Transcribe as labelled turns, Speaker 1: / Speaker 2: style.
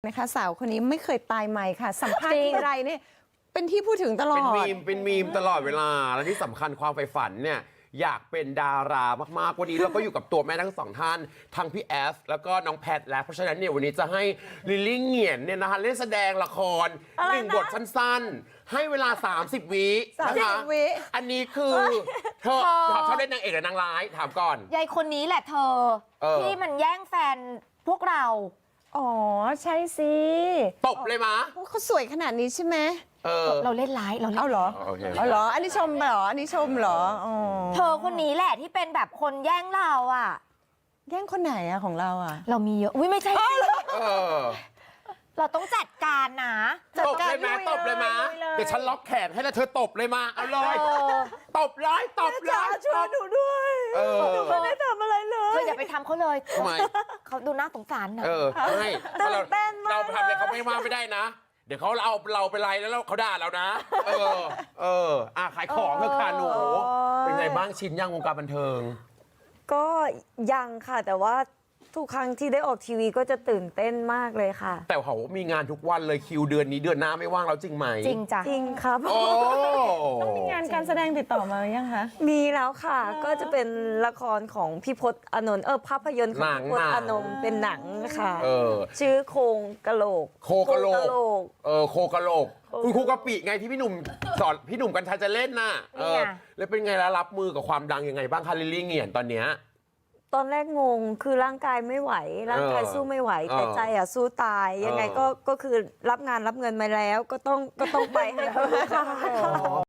Speaker 1: นะคะสาวคนนี้ไม่เคยตายใหม่ค่ะสัมภาษณ์ทีไรเนี่ยเป็นที่พูดถึงตลอด
Speaker 2: เป็นมีมตลอดเวลาและที่สำคัญความใฝ่ฝันเนี่ยอยากเป็นดารามากๆวันนี้เราก็อยู่กับตัวแม่ทั้งสองท่านทั้งพี่แอฟแล้วก็น้องแพทแล้วเพราะฉะนั้นเนี่ยวันนี้จะให้ลิลลี่เหงียนเนี่ยนะคะเล่นแสดงละคร1 บทสั้นๆให้เวลา30 วินะคะอันนี้คือเธอชอบเล่นนางเอกหรือนางร้ายถามก่อน
Speaker 3: ยายคนนี้แหละเธอที่มันแย่งแฟนพวกเรา
Speaker 1: อ๋อใช่สิ
Speaker 2: ตบเลยมะ
Speaker 1: เขาสวยขนาดนี้ใช่ไหม
Speaker 3: เราเล่นร้ายเรา
Speaker 1: เอาเหรอเอาเหรออันนี้ชมเหรออันนี้ชมเหรอ
Speaker 3: เธอคนนี้แหละที่เป็นแบบคนแย่งเราอ่ะ
Speaker 1: แย่งคนไหนอะของเราอะ
Speaker 3: เรามีเยอะอุ้ยไม่ใช่เราต้องจัดการนะ
Speaker 2: ตบเลยมาตบเลยมาเดี๋ยวฉันล็อกแขนให้แล้วเธอตบเลยมาเอาเลยตบเลยตบเลย
Speaker 1: ช่วยหนูด้วยหนูไม่ได้ทำอะไรเลย
Speaker 3: เธออย่าไปทำเขาเลย
Speaker 2: ทำไม
Speaker 3: เขาดูน่าสงสารนะ
Speaker 2: ใช่เราไปทำอะไรเขาไม่ว่าไม่ได้นะเดี๋ยวเขาเอาเราไปไล่แล้วเขาด่าเรานะขายของเถอะค่ะหนูเป็นไงบ้างชินย่างวงการบันเทิง
Speaker 4: ก็ยังค่ะแต่ว่าทุกครั้งที่ได้ออกทีวีก็จะตื่นเต้นมากเลยค่ะ
Speaker 2: แต่เขามีงานทุกวันเลยคิวเดือนนี้เดือนหน้าไม่ว่างแล้วจริงไหม
Speaker 3: จริงจ้ะ
Speaker 4: จริงครับ
Speaker 1: ต้องมีงานการแสดงติดต่อมาหรือยังคะ
Speaker 4: มีแล้วค่ะก็จะเป็นละครของพี่พจน์อานนท์ภาพยนตร์ของพี่พจน์อานนท์เป็นหนังค่ะชื่อโครงกะโหลก
Speaker 2: โคกะโหลกโคกะโหลกคุณครูกะปิไงที่พี่หนุ่มสอนพี่หนุ่มกัญชัยจะเล่นน่ะแล้วเป็นไงล่ะรับมือกับความดังยังไงบ้างคะลิลลี่เหงียนตอนเนี้ย
Speaker 4: ตอนแรกงงคือร่างกายไม่ไหวร่างกายสู้ไม่ไหวแต่ใจสู้ตายยังไงก็คือรับงานรับเงินมาแล้วก็ต้องไปให้เขาค่ะ